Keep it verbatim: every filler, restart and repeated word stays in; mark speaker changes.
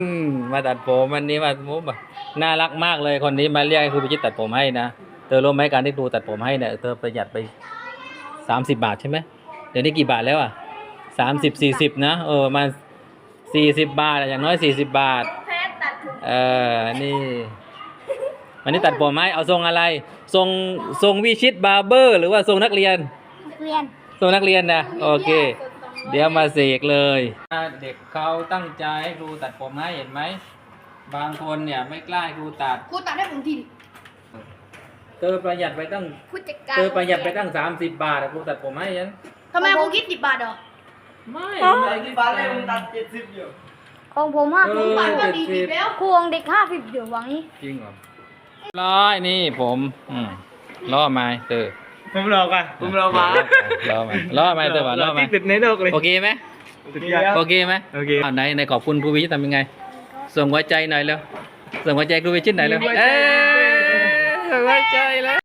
Speaker 1: อืมมาตัดผมวันนี้มามุมแบบน่ารักมากเลยคนนี้มาเรียกให้ครูพิชิตตัดผมให้นะเธอรู้ไหมการที่ครูตัดผมให้เนี่ยเธอประหยัดไปสามสิบบาทใช่ไหมเดี๋ยวนี้กี่บาทแล้วอ่ะสามสิบสี่สิบนะเออประมาณสี่สิบบาทอะอย่างน้อยสี่สิบบาท
Speaker 2: แพทตัดผม
Speaker 1: เออนี่วันนี้ตัดผมให้เอาทรงอะไรทรงทรงวิชิตบาร์เบอร์หรือว่าทรงนักเรียน
Speaker 2: นักเรียน
Speaker 1: ทรงนักเรียนนะโอเค เดี๋ยวมาเสกเลยเด็กเขาตั้งใจให้ครูตัดผมให้เห็นไหมบางคนเนี่ยไม่กล้าให้ครูตัด
Speaker 2: ครูตัดให้ผมทีดิ
Speaker 1: เธอประหยัดไปตั้ง
Speaker 2: ผู้จัดการ
Speaker 1: เธอประหยัดไปตั้งสามสิบบาทอะครูตัดผมให้ยัน
Speaker 2: ทำไมครูคิดสิบบาทเหรอ
Speaker 1: ไม่
Speaker 3: ไอ้ที่บ้านเลยมึงตัดเจ็ดสิบอยู่
Speaker 4: ของผมห้า
Speaker 1: เอ
Speaker 4: สิบ
Speaker 1: อบ
Speaker 2: าทก็
Speaker 1: เจ็ด
Speaker 2: ดี
Speaker 1: สิบ
Speaker 2: แล้ว
Speaker 4: ครูของเด็กห้าสิบเดี๋ยวหวังนี้
Speaker 1: จริงเหรอร้อยนี่ผมอืมล่อไม้เธอ
Speaker 3: ผมรอกันผมรอมา
Speaker 1: ล่อไม้ล่อไม้เธอว่าล่อไม้
Speaker 3: ที่สุดในโลกเลย
Speaker 1: โอเคไหม
Speaker 3: สุดยอด
Speaker 1: โอเคไหม
Speaker 3: โอเค
Speaker 1: อ่าไหนไหนขอบคุณครูวิชิตทำยังไง ส่งหัวใจหน่อยเร็วส่งหัวใจครูวิชิตหน่อยเร็ว
Speaker 3: มีหัวใจ
Speaker 1: เอ้ย